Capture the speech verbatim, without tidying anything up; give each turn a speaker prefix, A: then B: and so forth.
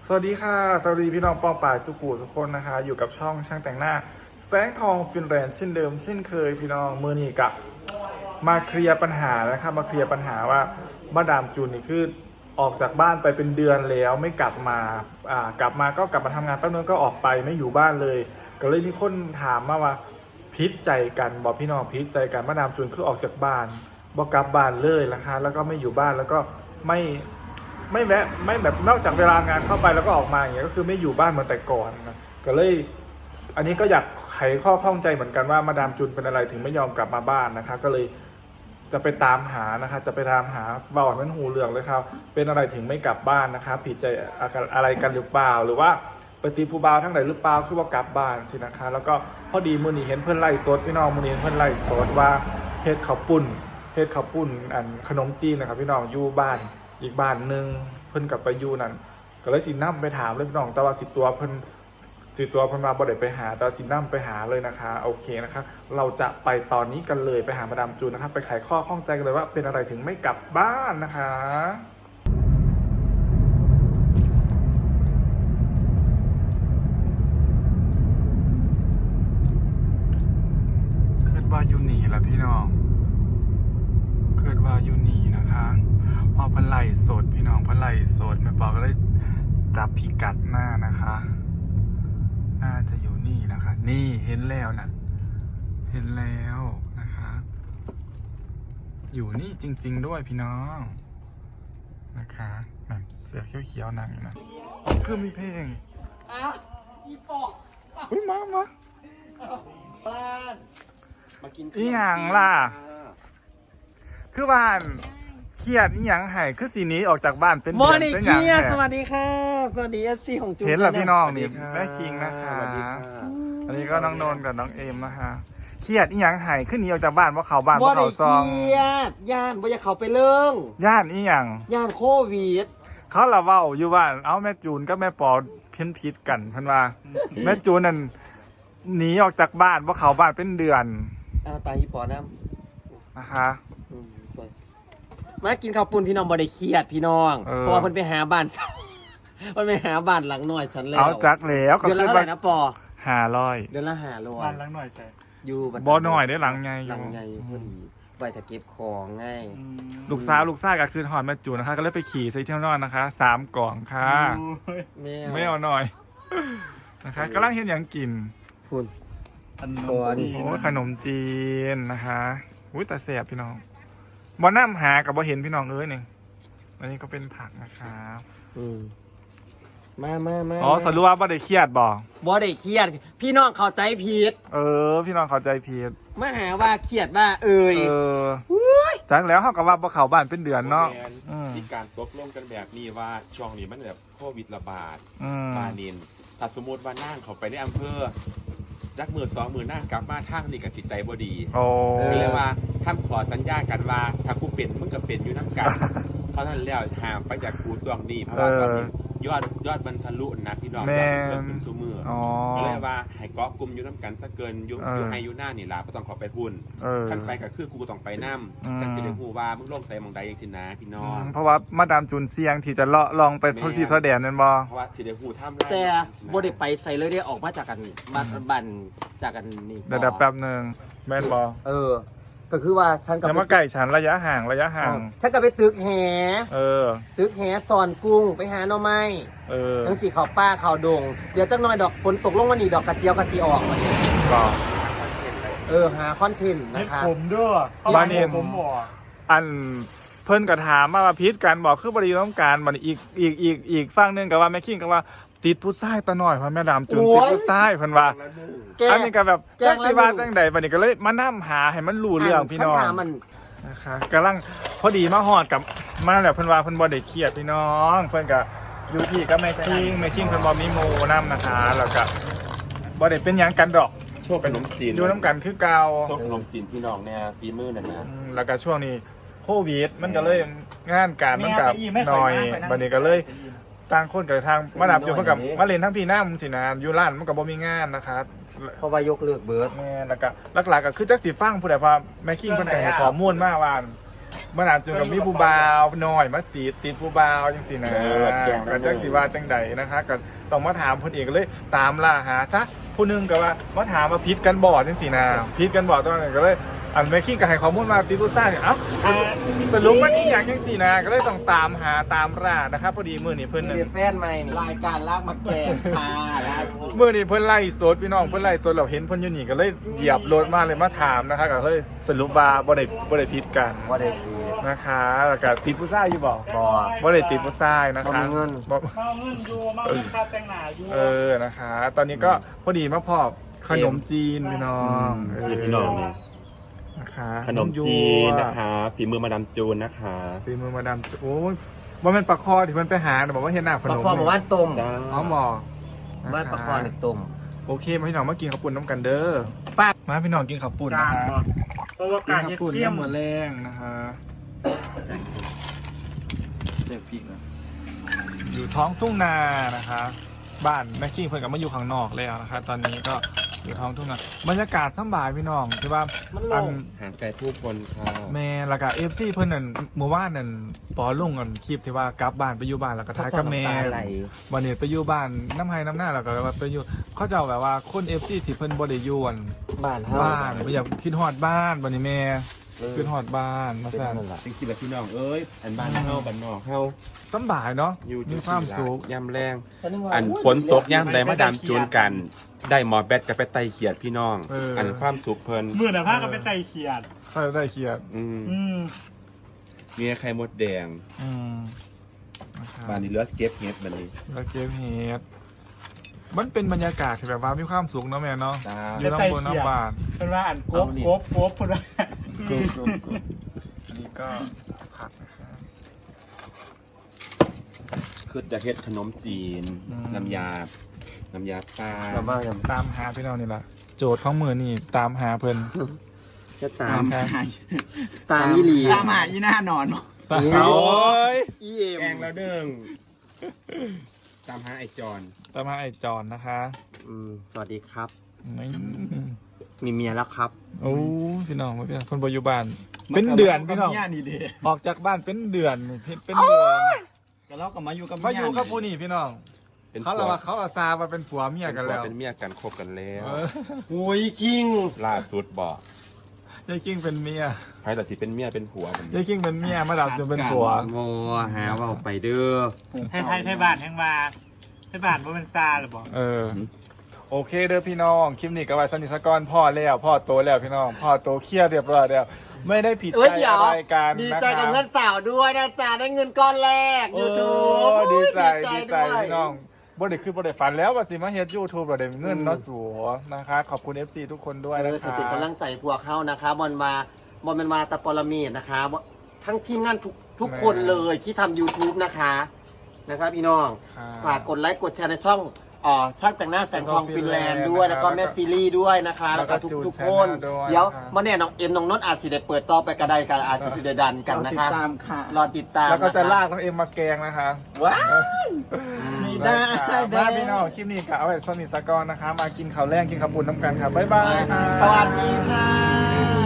A: สวัสดีค่ะสวัสดีพี่น้องปองป่ายสุกูสุกคนนะคะอยู่กับช่องช่างแต่งหน้าแสงทองฟินแลนด์เช่นเดิมเช่นเคยพี่น้องมือนี้กับมาเคลียร์ปัญหานะครับมาเคลียร์ปัญหาว่ามาดามจูนนี่คือออกจากบ้านไปเป็นเดือนแล้วไม่กลับมาอ่ากลับมาก็กลับมาทำงานแป๊บนึงก็ออกไปไม่อยู่บ้านเลยก็เลยมีคนถามมาว่าพิษใจกันบอกพี่น้องพิษใจกันมาดามจูนคือออกจากบ้านบอกกลับบ้านเลยนะคะแล้วก็ไม่อยู่บ้านแล้วก็ไม่ไม่แวะไม่แบบนอกจากเวลางานเข้าไปแล้วก็ออกมาอย่างเงี้ยก็คือไม่อยู่บ้านเหมือนแต่ก่อนนะก็เลยอันนี้ก็อยากไขข้อข้องใจเหมือนกันว่ามาดามจูนเป็นอะไรถึงไม่ยอมกลับมาบ้านนะคะก็เลยจะไปตามหานะคะจะไปตามหาบ่าวมันหูเหลืองเลยครับเป็นอะไรถึงไม่กลับบ้านนะคะผิดใจอะไรกันหรือเปล่าหรือว่าไปตีผู้บ่าวทั้งไหนหรือเปล่าคือว่ากลับบ้านสินะคะแล้วก็พอดีมือนี้เห็นเพื่อนไล่สดพี่น้องมือนี้เพื่อนไล่สดว่าเฮ็ดข้าวปุ้นเฮ็ดข้าวปุ้นอันขนมจีนนะครับพี่น้องอยู่บ้านอีกบ้านหนึ่งเพิ่นกับไปอยู่นั่นก็เลยสินั่มไปถามเลยพี่น้องแต่ว่าสิตัวเพิ่นสิตัวเพิ่นมาบ่ได้ไปหาแต่สินั่มไปหาเลยนะคะโอเคนะคะเราจะไปตอนนี้กันเลยไปหามาดามจูนนะครับไปไขข้อข้องใจกันเลยว่าเป็นอะไรถึงไม่กลับบ้านนะคะคิดว่าอยู่นี่แหละพี่น้องคิดว่าอยู่นี่นะคะพอเพิ่นไล่สดพี่น้องเพิ่นไล่สดแม่ปอก็เลยจับพิกัดหน้านะคะน่าจะอยู่นี่นะคะนี่เห็นแล้วนะเห็นแล้วนะคะอยู่นี่จริงๆด้วยพี่น้องนะคะนั่นเสือเขียวๆนั่งอยู่นะคือมีเพลงอ้าวอีปอกอุ้ยมามา
B: บ้านมากิน
A: อีหยังล่ะคือบ้านเครียดอีหยังไห้คือสีนี้ออกจากบ้านเป็นเดือนเป็นหยังแท้
B: สวัสดีค่ะสวัสดีเอฟซีของจูน
A: เห็นเหรอพี่น้องนี่แม่คิงนะคะอันนี้ก็น้องโนนกับน้องเอมนะคะเครียดอีหยังไห้ขึ้นหนีออกจากบ้านเพราะเขาบ้านเพราะเขาซอง
B: เครียดย่านว่าจะเขาไปเรื่อง
A: ย่านอีหยัง
B: ย่านโควิด
A: เขาละเว้าอยู่ว่าเอาแม่จูนก็แม่ปอเพี้ยนพิษกันเพิ่นว่าแม่จูนนั่นหนีออกจากบ้านเพราะเขาบ้านเป็นเดือน
B: อ้าวตายอีปอน้
A: ำนะคะ
B: มากินข้าวปุ้นพี่น้องบ่ได้เครียดพี่น้องเพราะว่าเพิ่นไปหาบ้านมันไปหาบ้านหลังหน่อยฉันแล้ว
A: เอาจักแล้ว
B: เดือนละเท่าไหร่นะปอ
A: ห้าร้อย
B: เดือนละห้าร้อย
A: บ้านหลังหน่อยใช่
B: อยู่
A: บ่หน่อยได้หลังใหญ่อยู่
B: หลังใหญ่พอดีไปแต่เก็บของง่าย
A: ลูกสาวลูกซ่าก็คือหอนแม่จูนนะคะก็เลยไปขี่ใส่เที่ยวนอนนะคะสามกล่องค่ะไม่เอาหน่อยนะคะกำลังเห็นอย่างกิน
B: คุณ
A: ขนมจีนขนมจีนนะคะอุ้ยแต่แสบพี่น้องบ่น้ำหากับบ่เห็นพี่น้องเอ้ยนี่อันนี้ก็เป็นผักนะคะ
B: อืมมามามา
A: อ๋อสรุปว่าบ่ได้เครียดบ่
B: บ่ได้เครียดพี่น้องเข้าใจผิด
A: เออพี่น้องเข้าใจผิด
B: มาหาว่าเครียดว่าเอ่ย
A: เออจังแล้วเขาก็ว่าบ่เข้าบ้านเป็นเดือนเนาะ
C: มีการตกลงกันแบบนี้ว่าช่วงนี้มันแบบโควิดระบาดบานินถ้าสมมติว่านั่งเขาไปในอำเภอรักมือสองมือหน้ากลับมาทางนี่กับจิตใจบ่ดีก็เลยว่าทำขอสัญญากันว่าถ้ากูเป็นมึงก็เป็นอยู่น้ำกันเพราะนั้นแล้วห่างไปจากกูส่วงนี้เพราะว่าตอนนี้ยอดยอดมันทะลุนะพี่น้องเริ่มเป็นตัวมือก็เลยว่าให้เกาะกลุ่มอยู่น้ำกันสักเกินอยู่อยู่ให้อยู่หน้านี่ล่ะก็ต้องขอไปพุ่นกันไปก็คือกูต้องไปน้ำกันจะได้หูว่ามึงโลกใส่มองใดยังสินะพี่น้อง
A: เพราะว่ามาดามจูนเสียงที่จะเลาะลองไปทดสอบแสดงนั่นบ่
C: เพราะว่าสิได้หูทำ
B: แต่บ่ได้ไปใส่เลยได้ออกมาจากกันมาบันจากกันนี่
A: เดี๋ยวแป๊บนึงแม่นบ่
B: เออก็คือว่าฉันกับ
A: มาไก่ฉันระยะห่างระยะห่าง
B: ฉันก็ไปตึกแห
A: เออ
B: ตึกแหสอนกุ้งไปหาหน่อไม้
A: เออ
B: ทั้งสีขาวป้าขาวดงเดี๋ยวจักหน่อยดอกฝนตกลงมานี่ดอกกระเจียวกระสีออกมาเนี่ย
A: ก็
B: เออหาคอนเทนต์นะคะ
A: ผมด้วยบ้านนี้ผมบอกอันเพิ่นก็ถามมาว่าพิษกันบอกคือบริต้องการมันอีกอีกอีกอีกฝั่งนึงก็ว่าแม่คิงก็ว่าติดผู้ชายตาหน่อยพ่อแม่ดามจุนติดผู้ชายเพิ่นว่าอันนี้ก็แบบจังสิว่าจังใดบัดนี้ก็เลยมานํหาให้มันรู้เรื่องพี่น้องนะคะกำลังพอดีมาฮอดกับมาแล้วเพิ่นว่าเพิ่นบ่ได้เครียดพี่น้องเพิ่นก็อยู่ที่กับแม่คิงแม่คิงเพิ่นบ่มีหมู่นำนะคะแล้วก็บ่ได้เป็นหยังกันดอก
C: โชคขนมจีน
A: อยู่นํกันคือเก่า
C: โชคขนมจีนพี่น้องเนี่ยฝีมือนั่นนะ
A: แล้วก็ช่วงนี้โควิดมันก็เลยงานการมันก็น้อยบัดนี้ก็เลยต่างคนกับทางมาดามจูนเพิ่นกับมาเล่นทั้งพี่น้ำสินะอยู่ร้านมันก็บ่มีงานนะครับ
B: เพราะว่ายกเลิกเบิร์ด
A: แม่แล้วก็หลักๆก็คือจักสิฟังผู้ใดว่าแม่คิงเพิ่นก็ให้ข้อมูลมาว่าเมื่อหนาจนกับมีผู้บ่าวหน่อยมาติดติดผู้บ่าวจังสินะก็จังสิว่าจังใดนะคะก็ต้องมาถามคนเอกเลยตามล่าหาซะผู้หนึงก็ว่ามาถามมาพิษกันบ่อจังสินะพิษกันบ่อตอนนั้นก็เลยอันแม่คิงกับให้ข้อมูลมาติดผู้ซ่าเนี่ยเอ้าสรุปมันนี่อย่างจังสินะก็เลยต้องตามหาตามล่านะครับพอดีมื้อนี้เพิ่น
B: เรียนแฟนใหม่นี่รายการลากมาแกงค่ะล่าสุด
A: มื้อนี้เพิ่นไล่สดพี่น้องเพิ่นไล่สดเราเห็นเพิ่นอยู่นี่ก็เลยเหยียบรถมาเลยมาถามนะคะก็เลยสรุปว่าบ่ได้บ่ได้พิษกัน
B: ว่าได้คือ
A: นะคะแล้วก็ติดผู้ชายอยู่บ่
B: บ่
A: บ่ได้ติดผู้ชายนะคะ
B: บ่มีเงิน
A: บ่
D: มาเงินอยู่มาเงินค่าแต่งหน้าอยู่
A: เออนะคะ ตอนนี้ก็พอดีมาพอขนมจีนพี่น้องเ
C: นี่พี่น้องนี่
A: นะคะ
C: ขนมจีนนะคะฝีมือมาดามจูนนะคะ
A: ฝีมือมาดามโอ้ยว่ามันปลาคอที่มันไปหาแต่บอกว่าเห็นหน้าข
B: ปลาน
A: ม
B: คอหมู่บ้านต้ม
C: จ้า
A: อ๋อหมอ
B: บ้านปลาคอเนี่ยต้ม
A: โอเคมาพี่น้องมากินข้าวปุ้นน้ำกันเด้อ
B: ป้า
A: มาพี่น้องกินข้าวปุ้น
D: กา
A: นะ
D: ร
A: คะ
D: เพราะว่า
A: กิน
D: การ
A: ข้าว
D: เย็ด
A: ปุ้น
D: เขี้ยม
A: น้ำมือแรงนะคะ
B: เด็กพริกนะ
A: อยู่ท้องทุ่งนานะคะ บ้านแม่คิงเพิ่นกับมาอยู่ข้างนอกแล้วนะคะ ตอนนี้ก็อยู่ท้องทุ่งนาบรรยากาศสำบายพี่น้องที่ว่า
B: มันล
A: อั
B: ง
A: น
C: ห่างไกลผู้คนค่ะ
A: แม่แล้วก็เอฟซีเพิ่นนั่นเมื่อวานนั่นปอลุงกันคลิปที่ว่ากลับบ้านไปอยู่บ้านแล้วก็ท้ายกับแม่
B: น้ำตาไหล
A: วันนี้ไปอยู่บ้านน้ำไห้น้ำหน้าแล้วก็ว่าไปอยู่เขาจะเอาแบบว่าคนเอฟซีที่เพิ่นบ่ได้อยู่อั่น
B: บ้านเฮา
A: บ้านไม่อยากคิดฮอดบ้านวันนี้แม่
B: เออ
A: คิดฮอดบ้านมา
B: เป็น
A: สั่น
B: นั่นแหละ
C: จริงๆแล้วพี่น้องเอ้ยอันบ้านเฮาบ้านนอกเฮา
A: สำบายเนาะ
C: อยู่
A: มีความสุข
C: ย่ำแรง
B: ฉันึกว่า
C: อันฝนตกย่ำใดมาดามจูนกัน ได้หมอแบตกับไปไตเขียดพี่น้อง อันความสุขเพลิน
D: มือหน้าผ้าก็เป็นไตเขียด
A: เขาจะได้เครียด
C: อืม
D: อืม
C: มีไข่มดแดง
A: อืมนะครับ
C: บ้านนี้เหลือสเก็ตเฮ็ดบัดนี้
A: แล้วเกมเฮดมันเป็นบรรยากาศที่แบบว่ามีความสุขเนาะแม่เนาะ
C: จ้า
A: อยู่ทั้งบนน้ำบาน
D: เป็นว่าอันกบกบกบเป็นว่า
A: อันนี้ก็ผักนะครับ
C: คือจะเฮ็ดขนมจีน
A: อืม
C: น้ำยา น้ำยาปลา
B: ชาวบ้านยัง
A: ตามหาพี่น้องนี่แหละโจทย์ของมือนี่ตามหาเพิ่น
B: จะตาม
A: นะครับ
B: ตามอีหลี
D: ตามหาอีหน้านอน
A: ตามโอ้ย
B: อีเอ็ม
C: แกงแล้วเด้งตามหาไอจอน
A: ตามหาไอจอนนะคะ
B: อืมสวัสดีครับ
A: นี่
B: มีเมียแล้วครับ
A: โอ้พี่น้องพี่น้องคนปัจจุบันเป็นเดือนพี่น้อง
D: ย่านี่เด้
A: ออกจากบ้านเป็นเดือนเป็นเดือน
D: แต่เราก็มาอยู่กับ
A: มาอยู่กับผู้นี่พี่น้อง
C: เป็น
A: เขาเราว่าเขาอาซามาเป็นผัวเมียกันแล้ว
C: เป็นเมียกันคบกันแล้ว
A: เออ
B: โอ้ยคิง
C: ล่าสุดบอก
A: ยายกิ้งเป็นเมีย
C: ใครแต่สิเป็นเมียเป็นผัวผม
A: ยายกิ้งเป็นเมียมาดับจนเป็นผัว
B: โมหาว่าไปเด้อ
D: ให้ไทยไทยบ้านแห่งมาไทยบ้านบ่เป็นซาหรือบ่
A: เออโอเคเด้อพี่น้องคลิปนี้ก็ไว้สนิทสกอนพ่อแล้วพ่อโตแล้วพี่น้องพ่อโตเครียดเรียบร้อยแล้วไม่ได้ผิด
B: เอ้ย
A: ใจ
B: เดี๋ยว
A: อะไรกัน
B: ดี
A: นะ
B: ใจ
A: ค
B: กับ
A: รับ
B: เพื่อนสาวด้วยนะจ๊ะได้เงินก้อนแรก
A: โอ้
B: ยูทูบ
A: ดีใจดีใจ
B: ด้วย
A: พี่น้องบ่ได้คือบ่ได้ฝันแล้วว่าสิมาเฮ็ด YouTube บ่ได้เงินเนาะสัวนะคะขอบคุณ เอฟ ซี ทุกคนด้วย
B: เอ
A: นะ
B: อ
A: ค
B: ถือ
A: รับ
B: เป็นกำลังใจพวกเขานะคะบอลมาบอลเป็นมาตะปรมีดนะคะทั้งทีมงานทุกทุกคนเลยที่ทำ YouTube นะคะนะครับพี่น้อง
A: ครับ
B: ฝากกดไลค์กดแชร์ในช่องอ๋อช่างแต่งหน้าแสงทองฟินแลนด์ด้วยแล้วก็แม่ซีรีส์ด้วยนะคะ แล้วก็ทุกทุกๆคน เดี๋ยวมาเนี่ยน้องเอ็มน้องนนท์อาจสิได้เปิดต่อไปกระไดกันอาจจะได้ดันกันนะคะ
D: ตามค่ะ
B: รอติดตาม
A: แล้วก็จะ
B: นค
A: ลากน้องเอ็มมาแกงนะคะ
B: ว้ายมีได้
A: มาพี่น้องคลิปนี้ก็เอาไว้สนิทสกอนนะคะ มากินข้าวแรงกินข้าวปุ้นน้ำกันครับบ๊ายบายค่ะ
B: สวัสดีค่ะ